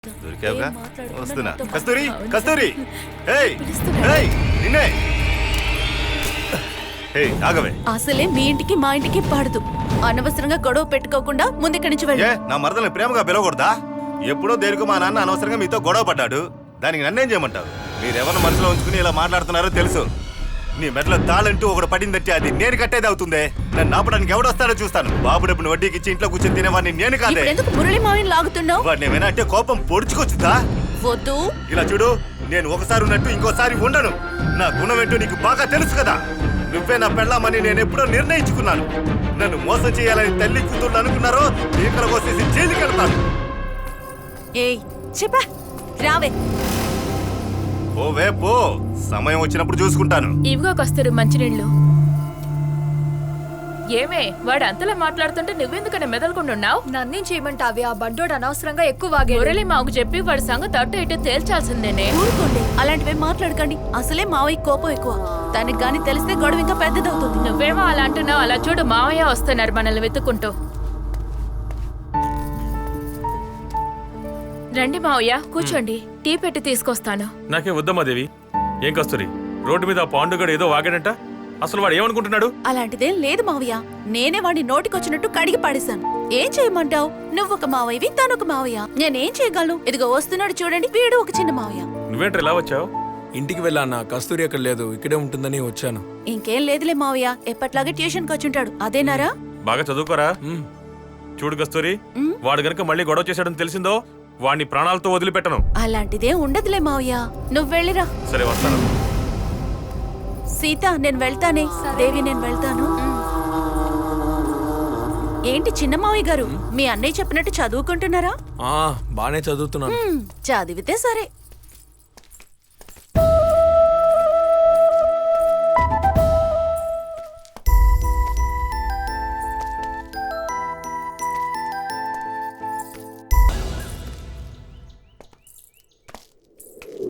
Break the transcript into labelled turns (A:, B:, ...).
A: దొరికావుగా వస్తున్నా. కస్తూరి కస్తూరి ఏయ్ ఏయ్ నిన్నే ఏయ్ ఆగవే.
B: అసలే మీ ఇంటికి మా ఇంటికి పడదు. అనవసరంగా గొడవ పెట్టుకోకుండా ముందుక్కడి నుంచి వెళ్ళి.
A: ఏ నా మరదల్ని ప్రేమగా పిలవకూడదా? ఎప్పుడో దేనికో మా నాన్న అనవసరంగా మీతో గొడవ పడ్డాడు. దానికి నన్నేం చేయమంటావు? మీరెవరిని మనసులో ఉంచుకుని ఇలా మాట్లాడుతున్నారో తెలుసు. నీ మెడలో తాళంటూ ఒకటి పడిందంటే అది నేను కట్టేది అవుతుందే. నన్ను ఆపడానికి ఎవడొస్తాడో చూస్తాను. బాబు డబ్బును వడ్డీకి ఇచ్చి ఇంట్లో కూర్చొని తినేవాడిని నేను కాదే.
B: ఎందుకు మురళి మావిని లాగుతున్నావు?
A: వాడిని ఏమైనా అంటే కోపం పొడుచుకొచ్చుదా?
B: వద్దు.
A: ఇలా చూడు, నేను ఒకసారి ఉన్నట్టు ఇంకోసారి ఉండను. నా గుణం ఏంటో నీకు బాగా తెలుసు కదా. నువ్వే నా పెళ్ళామని నేను ఎప్పుడో నిర్ణయించుకున్నాను. నన్ను మోసం చేయాలని తల్లి కూతుళ్ళు అనుకున్నారో ఇక్కడ కోసేసి జైలుకి వెళ్తాను.
B: ఏయ్ చెప్పా రావే.
A: ఓవే పో, సమయం వచ్చినప్పుడు చూసుకుంటాను.
C: ఇవిగో కస్తూరి మంచినీళ్ళు. ఏమే వాడు అంతలా మాట్లాడుతుంటే నువ్వెందుకనే మెదలకుంటున్నావు?
D: నన్నేం చేయమంటావి? ఆ బండోడు అనవసరంగా ఎక్కువ వాగాడు.
C: మురళి మాకు చెప్పి వాడి సంగతి అటు ఇటు తేల్చాల్సిందేనే.
B: ఊరుకోండి, అలాంటివే మాట్లాడకండి. అసలే మావయ్య కోపం ఎక్కువ. తనకి గాని తెలిస్తే గొడవ ఇంకా పెద్దదవుతుంది.
C: నువ్వేమో అలా అంటున్నావు. అలా చూడు, మావయ్య వస్తున్నారు మనల్ని వెతుక్కుంటూ. రండి మావయ్య, కూర్చోండి. టీ పెట్టి తీసుకొస్తాను.
E: నాకేం వద్దమ్మా దేవి. ఏం కస్తూరి, రోడ్డు మీద పాండుగాడు ఏదో వాగాడంట. అసలు వాడు ఏమనుకుంటున్నాడు?
B: అలాంటిదేం లేదు మావయ్య. నేనే వాడిని నోటికొచ్చినట్టు కడిగి పాడేశాను. ఏం చేయమంటావు? నువ్వొక మావయ్యవి, తనొక మావయ్య. నేనేం చేయగలను? ఇదిగో వస్తున్నాడు చూడండి, వీడు ఒక చిన్న మావయ్య.
E: నువ్వేంట్రా ఇలా వచ్చావు?
F: ఇంటికి వెళ్ళానా? కస్తూరి అక్కడ లేదు, ఇక్కడే ఉంటుందని వచ్చాను.
B: ఇంకేం లేదులే మావయ్య, ఎప్పట్లాగే ట్యూషన్కి వచ్చుంటాడు. అదేనారా?
E: బాగా చదువుకోరా. చూడు కస్తూరి, వాడు గనక మళ్ళీ గొడవ చేశాడని తెలిసిందో వాడిని ప్రాణాలతో వదిలిపెట్టను.
B: అలాంటిదే ఉండదులే మావయ్య, నువ్వు వెళ్ళిరా.
E: సరే వస్తాను.
B: సీత నేను వెళ్తానే. దేవి నేను వెళ్తాను. ఏంటి చిన్న మావయ్య గారు, మీ అన్నయ్య చెప్పినట్టు చదువుకుంటున్నారా?
F: బానే చదువుతున్నాను.
B: చదివితే సరే.